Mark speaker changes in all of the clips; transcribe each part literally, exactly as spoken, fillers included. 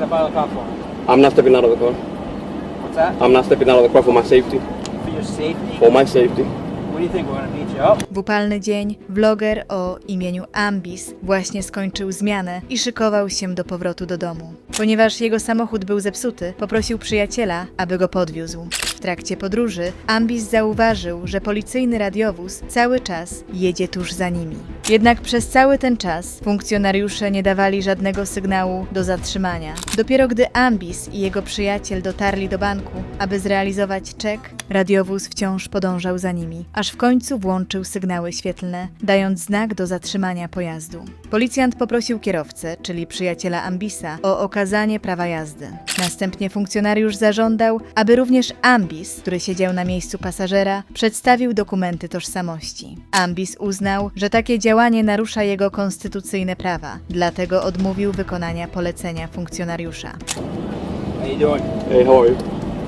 Speaker 1: step out of the car for?
Speaker 2: I'm not stepping out of the car.
Speaker 1: What's that?
Speaker 2: I'm not stepping out of the car for my safety.
Speaker 1: For your safety?
Speaker 2: For my safety.
Speaker 1: What do you think, we're gonna beat you up?
Speaker 3: W upalny dzień vloger o imieniu Ambis właśnie skończył zmianę i szykował się do powrotu do domu. Ponieważ jego samochód był zepsuty, poprosił przyjaciela, aby go podwiózł. W trakcie podróży Ambis zauważył, że policyjny radiowóz cały czas jedzie tuż za nimi. Jednak przez cały ten czas funkcjonariusze nie dawali żadnego sygnału do zatrzymania. Dopiero gdy Ambis i jego przyjaciel dotarli do banku, aby zrealizować czek, radiowóz wciąż podążał za nimi, aż w końcu włączył sygnały świetlne, dając znak do zatrzymania pojazdu. Policjant poprosił kierowcę, czyli przyjaciela Ambisa, o okazanie prawa jazdy. Następnie funkcjonariusz zażądał, aby również Ambis, który siedział na miejscu pasażera, przedstawił dokumenty tożsamości. Ambis uznał, że takie działanie narusza jego konstytucyjne prawa, dlatego odmówił wykonania polecenia funkcjonariusza.
Speaker 1: How you doing?
Speaker 2: Hey, how are you?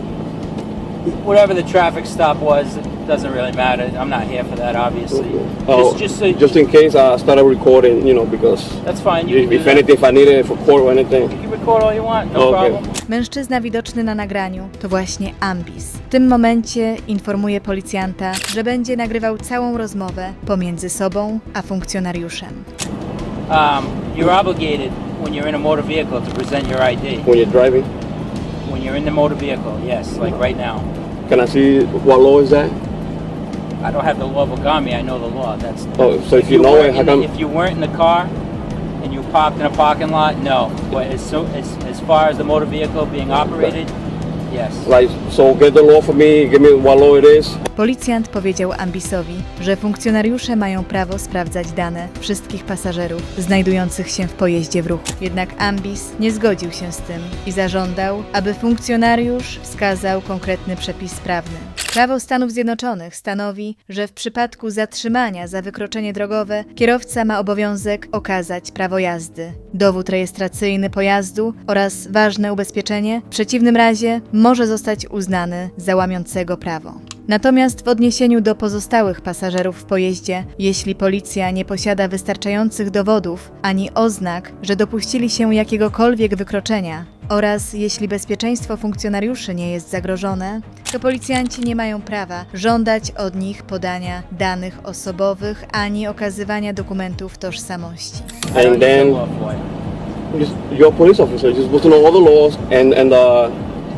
Speaker 1: Whatever the traffic stop was, it doesn't really matter. I'm not here for that, obviously.
Speaker 2: Oh,
Speaker 1: Just, just, so,
Speaker 2: just in case I started recording, you know, because
Speaker 1: that's fine. You
Speaker 2: if,
Speaker 1: can do
Speaker 2: if
Speaker 1: that.
Speaker 2: anything, if I need it for court or anything.
Speaker 1: You can record all you want, no
Speaker 2: Okay.
Speaker 1: problem.
Speaker 3: Mężczyzna widoczny na nagraniu to właśnie Ambis. W tym momencie informuje policjanta, że będzie nagrywał całą rozmowę pomiędzy sobą a funkcjonariuszem.
Speaker 1: Um, you're obligated when you're in a motor vehicle to present your I D.
Speaker 2: When you're driving,
Speaker 1: When you're in the motor vehicle, yes, like right now.
Speaker 2: can I see what law is that?
Speaker 1: I don't have the law on me. I know the law. That's
Speaker 2: Oh, so if you know
Speaker 1: weren't
Speaker 2: it, how
Speaker 1: in the-
Speaker 2: come?
Speaker 1: if you weren't in the car and you parked in a parking lot, no. But as so as as far as the motor vehicle being operated, yes.
Speaker 2: Like, so get the law for me. Give me what law it is.
Speaker 3: Policjant powiedział Ambisowi, że funkcjonariusze mają prawo sprawdzać dane wszystkich pasażerów znajdujących się w pojeździe w ruchu. Jednak Ambis nie zgodził się z tym i zażądał, aby funkcjonariusz wskazał konkretny przepis prawny. Prawo Stanów Zjednoczonych stanowi, że w przypadku zatrzymania za wykroczenie drogowe kierowca ma obowiązek okazać prawo jazdy, dowód rejestracyjny pojazdu oraz ważne ubezpieczenie, w przeciwnym razie może zostać uznany za łamiącego prawo. Natomiast w odniesieniu do pozostałych pasażerów w pojeździe, jeśli policja nie posiada wystarczających dowodów ani oznak, że dopuścili się jakiegokolwiek wykroczenia, oraz jeśli bezpieczeństwo funkcjonariuszy nie jest zagrożone, to policjanci nie mają prawa żądać od nich podania danych osobowych ani okazywania dokumentów tożsamości.
Speaker 1: I don't
Speaker 2: And
Speaker 1: use the
Speaker 2: then
Speaker 1: law for you.
Speaker 2: just, you're a police officer. You're supposed to know all the laws and and uh.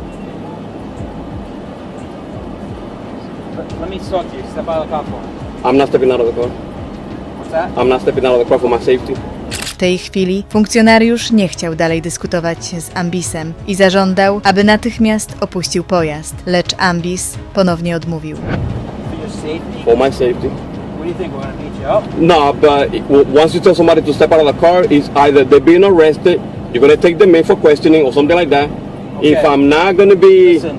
Speaker 1: Let- Let me talk to you. Step out of the car for me.
Speaker 2: I'm not stepping out of the car.
Speaker 1: What's that?
Speaker 2: I'm not stepping out of the car for my safety.
Speaker 3: W tej chwili funkcjonariusz nie chciał dalej dyskutować z Ambisem i zażądał, aby natychmiast opuścił pojazd, lecz Ambis ponownie odmówił.
Speaker 1: For your safety.
Speaker 2: For my safety.
Speaker 1: What do you think, we're gonna beat you up?
Speaker 2: No, but it- w- once you tell somebody to step out of the car, it's either they're being arrested, you're gonna take them in for questioning or something like that. If
Speaker 1: Okay.
Speaker 2: I'm not gonna be,
Speaker 1: Listen,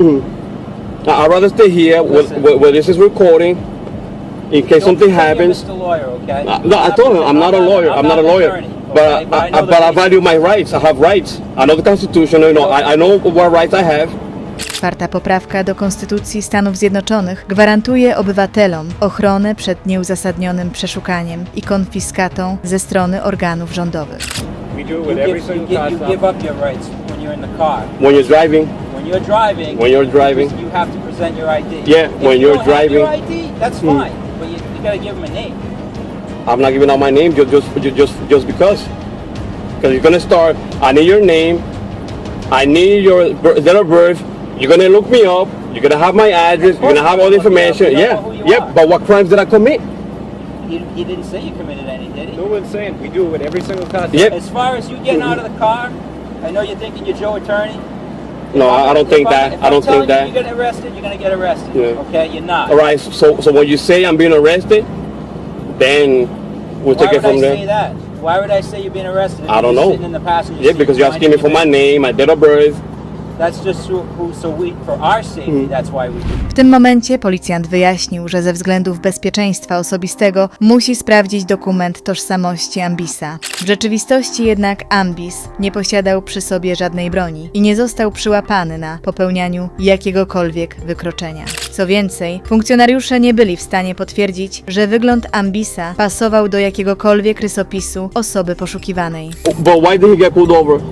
Speaker 2: I- I'd rather stay here where,
Speaker 1: Listen.
Speaker 2: where, where this is recording, in case
Speaker 1: don't
Speaker 2: something
Speaker 1: pretend you're
Speaker 2: happens.
Speaker 1: Mister Lawyer, okay?
Speaker 2: Uh, no, I told him I'm not a lawyer. I'm not a lawyer,
Speaker 1: an attorney,
Speaker 2: but
Speaker 1: okay?
Speaker 2: I,
Speaker 1: But I
Speaker 2: I,
Speaker 1: know the
Speaker 2: but I
Speaker 1: basics.
Speaker 2: value my rights. I have rights. I know the Constitution. You know, I, I know what rights I have.
Speaker 3: Czwarta poprawka do Konstytucji Stanów Zjednoczonych gwarantuje obywatelom ochronę przed nieuzasadnionym przeszukaniem i konfiskatą ze strony organów rządowych.
Speaker 4: We do it
Speaker 1: You
Speaker 4: with every
Speaker 1: give, you,
Speaker 4: single
Speaker 1: give,
Speaker 4: car
Speaker 1: you
Speaker 4: stop.
Speaker 1: give up your rights when you're in the car.
Speaker 2: When you're driving,
Speaker 1: When you're driving,
Speaker 2: When you're driving.
Speaker 1: you have to present your I D.
Speaker 2: Yeah,
Speaker 1: If
Speaker 2: when
Speaker 1: you
Speaker 2: you're
Speaker 1: don't have your
Speaker 2: driving.
Speaker 1: I D, that's
Speaker 2: Hmm.
Speaker 1: fine, but you, you gotta give them a name.
Speaker 2: I'm not giving out my name just just just just, just because. Because you're gonna start. I need your name. I need your bir- date of birth. You're gonna look me up. You're gonna have my address. You're gonna have all the information.
Speaker 1: We don't
Speaker 2: Yeah,
Speaker 1: know who you
Speaker 2: yeah.
Speaker 1: are.
Speaker 2: But what crimes did I commit?
Speaker 1: He, he didn't say you committed any, did he?
Speaker 4: No one's saying we do it with every single car stop.
Speaker 2: Yep.
Speaker 1: As far as you getting out of the car, I know you're thinking you're Joe Attorney.
Speaker 2: No, I, I don't think
Speaker 1: If I'm-
Speaker 2: that.
Speaker 1: if
Speaker 2: I
Speaker 1: I'm
Speaker 2: don't
Speaker 1: telling
Speaker 2: think that.
Speaker 1: you you're getting arrested, you're gonna get arrested.
Speaker 2: Yeah.
Speaker 1: Okay, you're not.
Speaker 2: All right. So so when you say I'm being arrested, then we'll
Speaker 1: Why
Speaker 2: take it
Speaker 1: would I
Speaker 2: from
Speaker 1: say
Speaker 2: there.
Speaker 1: that? Why would I say you're being arrested? if
Speaker 2: I don't
Speaker 1: you're
Speaker 2: know.
Speaker 1: Sitting in the passenger
Speaker 2: Yeah,
Speaker 1: seat
Speaker 2: because you're asking me for my
Speaker 1: minding your
Speaker 2: name, my date of birth.
Speaker 1: business. That's just so, who, so we, for our safety,
Speaker 2: Hmm.
Speaker 1: that's why we do.
Speaker 3: W tym momencie policjant wyjaśnił, że ze względów bezpieczeństwa osobistego musi sprawdzić dokument tożsamości Ambisa. W rzeczywistości jednak Ambis nie posiadał przy sobie żadnej broni i nie został przyłapany na popełnianiu jakiegokolwiek wykroczenia. Co więcej, funkcjonariusze nie byli w stanie potwierdzić, że wygląd Ambisa pasował do jakiegokolwiek rysopisu osoby poszukiwanej.
Speaker 2: But why did he get pulled over?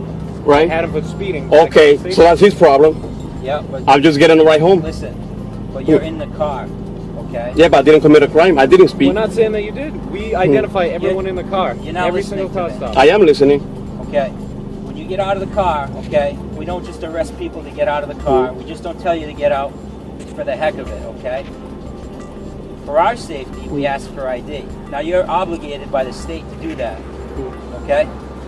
Speaker 2: right?
Speaker 4: I had him for speeding. but I
Speaker 2: Okay,
Speaker 4: can't see.
Speaker 2: so that's his problem.
Speaker 1: Yeah, but
Speaker 2: I'm just getting the ride home.
Speaker 1: listen, but you're in the car, okay?
Speaker 2: Yeah, but I didn't commit a crime. I didn't speed.
Speaker 4: We're not saying that you did. We identify everyone in the car.
Speaker 1: You're not
Speaker 4: Every
Speaker 1: listening
Speaker 4: single
Speaker 1: to
Speaker 4: car
Speaker 1: me.
Speaker 4: stop.
Speaker 2: I am listening.
Speaker 1: Okay. When you get out of the car, okay, we don't just arrest people to get out of the car. We just don't tell you to get out for the heck of it, okay? For our safety, we ask for I D. Now you're obligated by the state to do that, okay?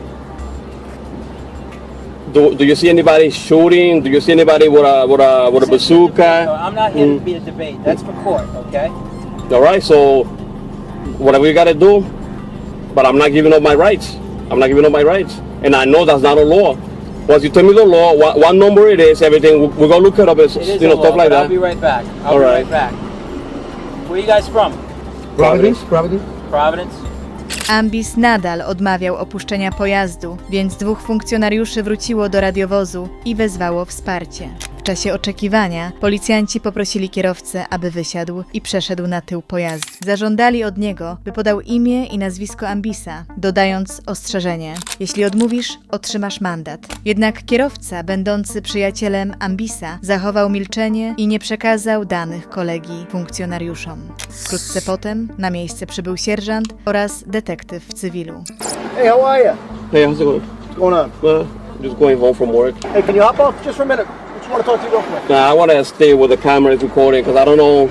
Speaker 2: Do, do you see anybody shooting? Do you see anybody with a with a with a
Speaker 1: This isn't a debate,
Speaker 2: bazooka?
Speaker 1: though. I'm not here
Speaker 2: Mm.
Speaker 1: to be a debate. That's for court, okay?
Speaker 2: All right, so whatever you gotta do, but I'm not giving up my rights. I'm not giving up my rights, and I know that's not a law. Once you tell me the law, what, what number it is, everything, we- we're gonna look it up, and,
Speaker 1: It is
Speaker 2: you know,
Speaker 1: a law,
Speaker 2: stuff like
Speaker 1: but I'll
Speaker 2: that.
Speaker 1: be right back. I'll
Speaker 2: All
Speaker 1: be
Speaker 2: right.
Speaker 1: right back. Where you guys from?
Speaker 2: Providence.
Speaker 5: Providence?
Speaker 1: Providence?
Speaker 3: Ambis nadal odmawiał opuszczenia pojazdu, więc dwóch funkcjonariuszy wróciło do radiowozu i wezwało wsparcie. W czasie oczekiwania policjanci poprosili kierowcę, aby wysiadł i przeszedł na tył pojazdu. Zażądali od niego, by podał imię i nazwisko Ambisa, dodając ostrzeżenie: jeśli odmówisz, otrzymasz mandat. Jednak kierowca, będący przyjacielem Ambisa, zachował milczenie i nie przekazał danych kolegi funkcjonariuszom. Wkrótce potem na miejsce przybył sierżant oraz detektyw w cywilu.
Speaker 5: Hey, how are you?
Speaker 2: Hey, how's it going?
Speaker 5: What's going on?
Speaker 2: Uh, just going home from work.
Speaker 5: Hey, can you hop off just for a minute? I just want to talk to you real quick.
Speaker 2: Nah, I want to stay with the cameras recording because I don't know.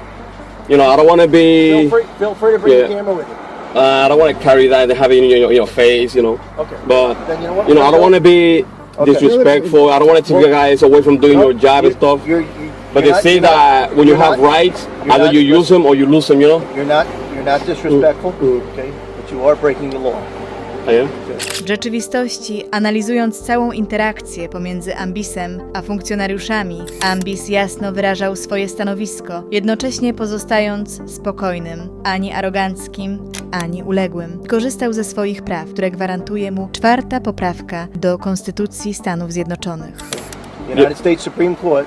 Speaker 2: You know, I don't want to
Speaker 5: Feel
Speaker 2: be.
Speaker 5: free, feel free to bring
Speaker 2: Yeah.
Speaker 5: your camera with you.
Speaker 2: Uh, I don't want to carry that and have it in your, in your face. You know.
Speaker 5: Okay.
Speaker 2: But
Speaker 5: Then you know what?
Speaker 2: you know, I don't want to be
Speaker 5: Okay.
Speaker 2: disrespectful. I don't want to take you guys away from doing your job and
Speaker 5: You-
Speaker 2: stuff.
Speaker 5: You're, you,
Speaker 2: But
Speaker 5: you're
Speaker 2: they
Speaker 5: not-
Speaker 2: say
Speaker 5: you're not-
Speaker 2: that when you
Speaker 5: you're
Speaker 2: have
Speaker 5: not-
Speaker 2: rights,
Speaker 5: you're
Speaker 2: either
Speaker 5: not-
Speaker 2: you use them or you lose them. You know.
Speaker 5: You're not, you're not disrespectful,
Speaker 2: Mm.
Speaker 5: okay? But you are breaking the law.
Speaker 2: I am.
Speaker 3: W rzeczywistości, analizując całą interakcję pomiędzy Ambisem a funkcjonariuszami, Ambis jasno wyrażał swoje stanowisko, jednocześnie pozostając spokojnym, ani aroganckim, ani uległym. Korzystał ze swoich praw, które gwarantuje mu czwarta poprawka do Konstytucji Stanów Zjednoczonych.
Speaker 5: The United States Supreme Court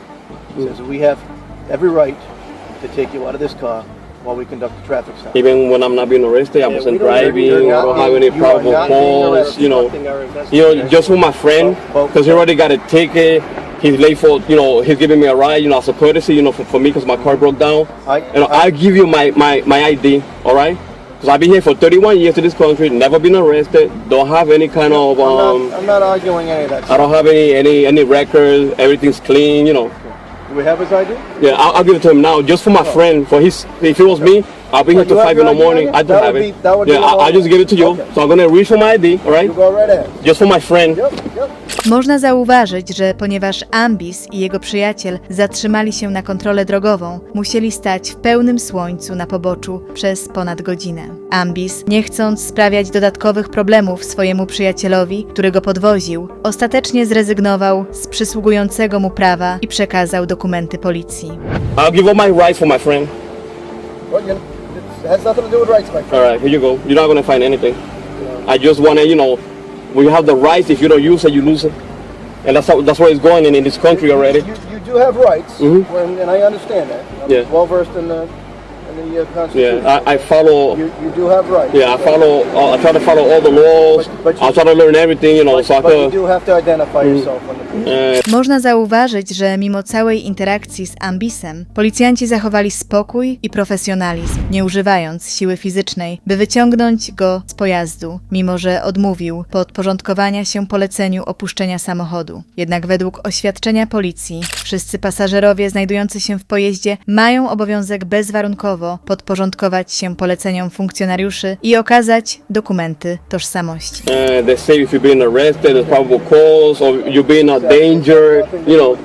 Speaker 5: says that we have every right to take you out of this car while we conduct a traffic stop.
Speaker 2: Even when I'm not being arrested, I
Speaker 5: Yeah,
Speaker 2: wasn't
Speaker 5: we don't-
Speaker 2: driving.
Speaker 5: you're
Speaker 2: I
Speaker 5: not
Speaker 2: don't have
Speaker 5: being-
Speaker 2: any
Speaker 5: you are
Speaker 2: probable
Speaker 5: not being
Speaker 2: cause.
Speaker 5: arrested.
Speaker 2: You know.
Speaker 4: Obstructing our
Speaker 2: You know,
Speaker 4: investigation.
Speaker 2: just for my friend,
Speaker 5: Well,
Speaker 2: because he already got a ticket. He's late for, you know, he's giving me a ride, you know, as a courtesy, you know, for, for me because my car broke down.
Speaker 5: I-
Speaker 2: you know,
Speaker 5: I-
Speaker 2: I'll give you my, my, my I D, all right? Because I've been here for thirty-one years in this country, never been arrested, don't have any kind of,
Speaker 5: I'm,
Speaker 2: um,
Speaker 5: not, I'm not arguing any of that
Speaker 2: I
Speaker 5: stuff.
Speaker 2: don't have any, any, any records, everything's clean, you know.
Speaker 5: Do we have his I D?
Speaker 2: Yeah, I'll, I'll give it to him now, just for my friend, for his, if it was me, I'll be here
Speaker 5: Well,
Speaker 2: till
Speaker 5: you have
Speaker 2: five in
Speaker 5: your
Speaker 2: the
Speaker 5: I D
Speaker 2: morning.
Speaker 5: on you?
Speaker 2: I do
Speaker 5: That
Speaker 2: have
Speaker 5: would
Speaker 2: it.
Speaker 5: be- that would
Speaker 2: yeah,
Speaker 5: be
Speaker 2: I'll, I'll just give it to you.
Speaker 5: Okay.
Speaker 2: So I'm gonna reach for my I D, all right?
Speaker 5: You go right ahead.
Speaker 2: Just for my friend.
Speaker 5: Yep, yep.
Speaker 3: Można zauważyć, że ponieważ Ambis i jego przyjaciel zatrzymali się na kontrolę drogową, musieli stać w pełnym słońcu na poboczu przez ponad godzinę. Ambis, nie chcąc sprawiać dodatkowych problemów swojemu przyjacielowi, który go podwoził, ostatecznie zrezygnował z przysługującego mu prawa i przekazał dokumenty policji.
Speaker 2: I'll give up my rights for my friend.
Speaker 5: Well, you know, it has nothing to do with rights, my friend.
Speaker 2: All right, here you go. You're not gonna find anything. I just wanna, you know, when you have the rights, if you don't use it, you lose it, and that's how that's where it's going in, in this country already.
Speaker 5: You, you do have rights,
Speaker 2: Mhm.
Speaker 5: when, and I understand that. I'm
Speaker 2: Yeah.
Speaker 5: well versed in the, in the uh, Constitution.
Speaker 2: Yeah, I, I follow.
Speaker 5: You, you do have rights.
Speaker 2: Yeah, I follow. Uh, I try to follow all the laws.
Speaker 5: But- but you-
Speaker 2: I try to learn everything, you know, so I
Speaker 5: But you
Speaker 2: could.
Speaker 5: do have to identify yourself on the police.
Speaker 2: Uh,
Speaker 3: Można zauważyć, że mimo całej interakcji z Ambisem, policjanci zachowali spokój i profesjonalizm, nie używając siły fizycznej, by wyciągnąć go z pojazdu, mimo że odmówił podporządkowania się poleceniu opuszczenia samochodu. Jednak według oświadczenia policji, wszyscy pasażerowie znajdujący się w pojeździe mają obowiązek bezwarunkowo podporządkować się poleceniom funkcjonariuszy i okazać dokumenty tożsamości.
Speaker 2: uh, they say if you're being arrested, there's probable cause, or you're being a danger, you know.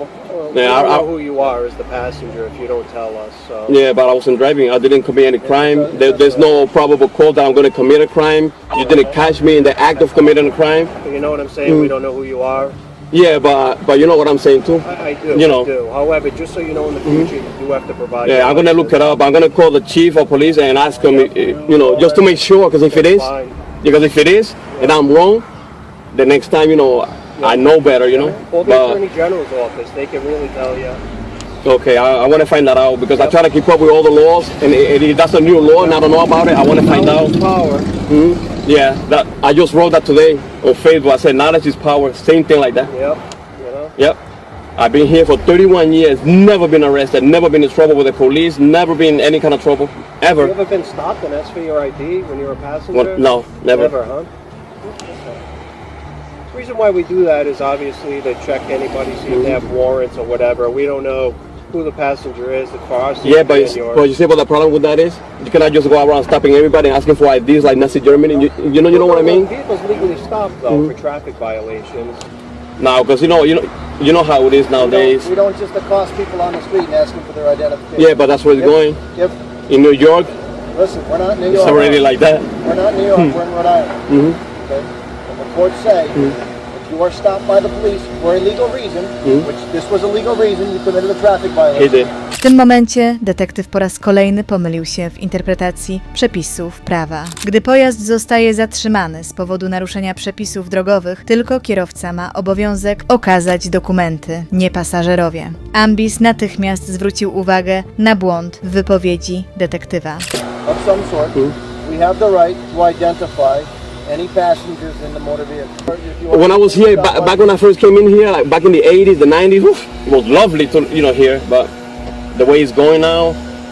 Speaker 4: We
Speaker 2: Yeah,
Speaker 4: don't
Speaker 2: I,
Speaker 4: know
Speaker 2: I,
Speaker 4: who you are as the passenger if you don't tell us. So.
Speaker 2: yeah, but I wasn't driving. I didn't commit any crime. There, there's no probable cause that I'm going to commit a crime. You didn't catch me in the act of committing a crime.
Speaker 4: You know what I'm saying? We don't know who you are.
Speaker 2: Yeah, but but you know what I'm saying too.
Speaker 4: I, I do.
Speaker 2: You know.
Speaker 4: I do. However, just so you know, in the future, you do have to provide.
Speaker 2: Yeah,
Speaker 4: your
Speaker 2: I'm gonna look it up. I'm gonna call the chief of police and ask him, eh, you know, just to make sure. Because if it is,
Speaker 4: Fine.
Speaker 2: because if it is, and I'm wrong, the next time, you know, I know better, you know.
Speaker 4: Call the
Speaker 2: But
Speaker 4: attorney general's office. They can really tell you.
Speaker 2: okay, I, I want to find that out because I try to keep up with all the laws, and i- if that's a new law and I don't know about it, I want to find out.
Speaker 4: Power.
Speaker 2: Mhm. Yeah, that I just wrote that today on Facebook. I said knowledge is power. Same thing like that.
Speaker 4: Yep. You know.
Speaker 2: Yep. I've been here for thirty-one years, never been arrested, never been in trouble with the police, never been in any kind of trouble,
Speaker 4: You
Speaker 2: ever.
Speaker 4: ever been stopped and asked for your I D when you were a passenger?
Speaker 2: Well, no, never.
Speaker 4: Never, huh? The reason why we do that is obviously to check anybody, see if they have warrants or whatever. We don't know who the passenger is as far as
Speaker 2: Yeah, but, it's, but you see what the problem with that is? You cannot just go around stopping everybody and asking for I Ds like Nazi Germany. You, you know, you know what I mean?
Speaker 4: Vehicles legally stopped though for traffic violations.
Speaker 2: Now, because you know, you know, you know how it is nowadays.
Speaker 5: We don't just accost people on the street and ask them for their identification.
Speaker 2: Yeah, but that's where it's
Speaker 5: Yep.
Speaker 2: going.
Speaker 5: Yep.
Speaker 2: In New York,
Speaker 5: Listen, we're not in New
Speaker 2: it's
Speaker 5: York.
Speaker 2: already like that.
Speaker 5: We're not in New York, we're in Rhode Island.
Speaker 2: Mhm.
Speaker 5: Okay? And the courts say, if you are stopped by the police for a legal reason, which this was a legal reason, you committed a traffic
Speaker 2: He
Speaker 5: violation.
Speaker 2: did.
Speaker 3: W tym momencie detektyw po raz kolejny pomylił się w interpretacji przepisów prawa. Gdy pojazd zostaje zatrzymany z powodu naruszenia przepisów drogowych, tylko kierowca ma obowiązek okazać dokumenty, nie pasażerowie. Ambis natychmiast zwrócił uwagę na błąd w wypowiedzi detektywa.
Speaker 5: Of some sort, we have the right to identify any passengers in the motor vehicle. If you are
Speaker 2: When I was here,
Speaker 5: stopped
Speaker 2: ba-
Speaker 5: by-
Speaker 2: back when I first came in here, like back in the eighties, the nineties, oof, it was lovely to, you know, here, but the way it's going now,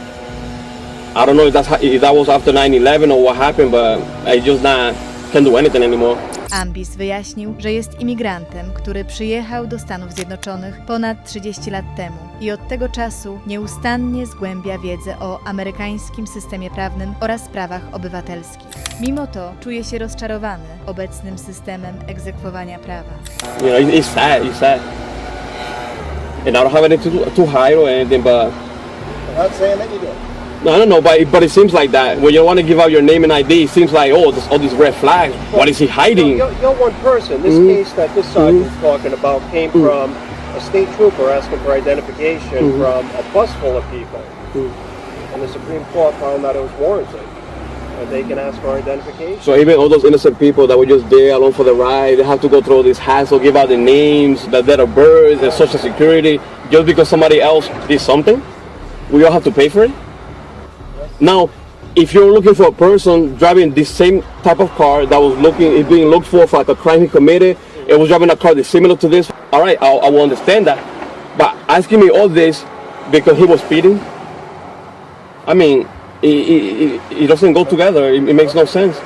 Speaker 2: I don't know if that's how, if that was after nine eleven or what happened, but I just not can't do anything anymore.
Speaker 3: Ambis wyjaśnił, że jest imigrantem, który przyjechał do Stanów Zjednoczonych ponad trzydzieści lat temu i od tego czasu nieustannie zgłębia wiedzę o amerykańskim systemie prawnym oraz prawach obywatelskich. Mimo to czuje się rozczarowany obecnym systemem egzekwowania prawa.
Speaker 2: You know, it, it's sad, it's sad. And I don't have anything to, to hide or anything, but
Speaker 5: I'm not saying that you do.
Speaker 2: no, I don't know, but it, but it seems like that when you want to give out your name and I D, it seems like oh, this, all these red flags. What is he hiding?
Speaker 4: You're, you're one person. This case that this sergeant's talking about came from a state trooper asking for identification from a bus full of people. And the Supreme Court found that it was warranted. And they can ask for identification.
Speaker 2: So even all those innocent people that were just there along for the ride, they have to go through all this hassle, give out the names, the date of birth, and social security, just because somebody else did something? We all have to pay for it? Now, if you're looking for a person driving this same type of car that was looking, is being looked for for like a crime he committed, it was driving a car that's similar to this, all right, I, I will understand that. But asking me all this because he was speeding, I mean, it, it, it, it doesn't go together. It, it makes no sense.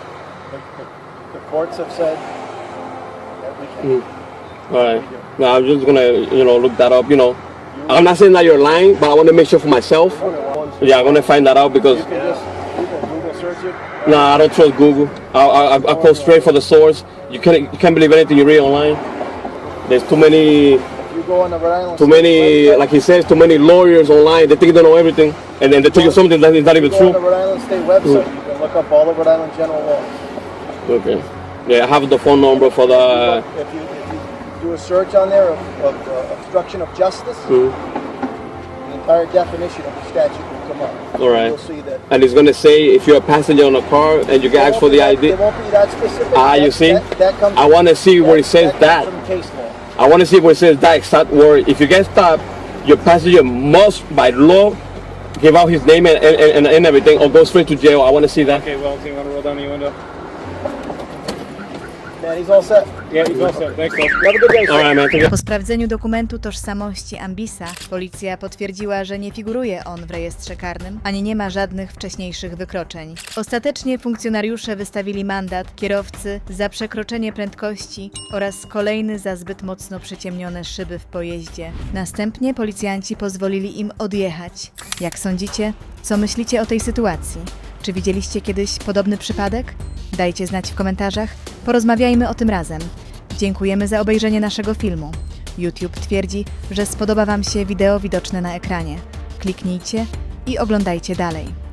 Speaker 5: The courts have said that we can.
Speaker 2: All right. Now I'm just gonna, you know, look that up. You know, I'm not saying that you're lying, but I want to make sure for myself. Yeah, I'm gonna find that out because
Speaker 5: You can just you can Google search it.
Speaker 2: no, I don't trust Google. I I, I go straight for the source. You can't you can't believe anything you read online. There's too many
Speaker 5: If you go on the Rhode Island
Speaker 2: too
Speaker 5: State
Speaker 2: many
Speaker 5: website,
Speaker 2: like he says too many lawyers online. They think they know everything, and then they tell you something that is not even
Speaker 5: if you go on the
Speaker 2: true.
Speaker 5: Rhode Island State website, you can look up all the Rhode Island general laws.
Speaker 2: Okay. Yeah, I have the phone number for the.
Speaker 5: if you if you do a search on there of, of uh, obstruction of justice,
Speaker 2: Mhm.
Speaker 5: the entire definition of the statute will come up.
Speaker 2: All right.
Speaker 5: You'll see that.
Speaker 2: And it's gonna say if you're a passenger on a car and you get asked for the I D.
Speaker 5: It won't be that specific.
Speaker 2: Ah, you
Speaker 5: That-
Speaker 2: see?
Speaker 5: That, that comes
Speaker 2: I want to see where it says
Speaker 5: comes
Speaker 2: that.
Speaker 5: From case law.
Speaker 2: I want to see where it says that exact word. If you get stopped, your passenger must, by law, give out his name and, and, and, and everything, or go straight to jail. I want to see that.
Speaker 6: Okay, well, do you want to roll down the window?
Speaker 5: Man, he's all set.
Speaker 6: Yeah, he's all set. Thanks, though.
Speaker 5: Have a good day, sir.
Speaker 2: All right, man. Thank you.
Speaker 3: Po sprawdzeniu dokumentu tożsamości Ambisa, policja potwierdziła, że nie figuruje on w rejestrze karnym, ani nie ma żadnych wcześniejszych wykroczeń. Ostatecznie funkcjonariusze wystawili mandat kierowcy za przekroczenie prędkości oraz kolejny za zbyt mocno przyciemnione szyby w pojeździe. Następnie policjanci pozwolili im odjechać. Jak sądzicie, co myślicie o tej sytuacji? Czy widzieliście kiedyś podobny przypadek? Dajcie znać w komentarzach, porozmawiajmy o tym razem. Dziękujemy za obejrzenie naszego filmu. YouTube twierdzi, że spodoba Wam się wideo widoczne na ekranie. Kliknijcie i oglądajcie dalej.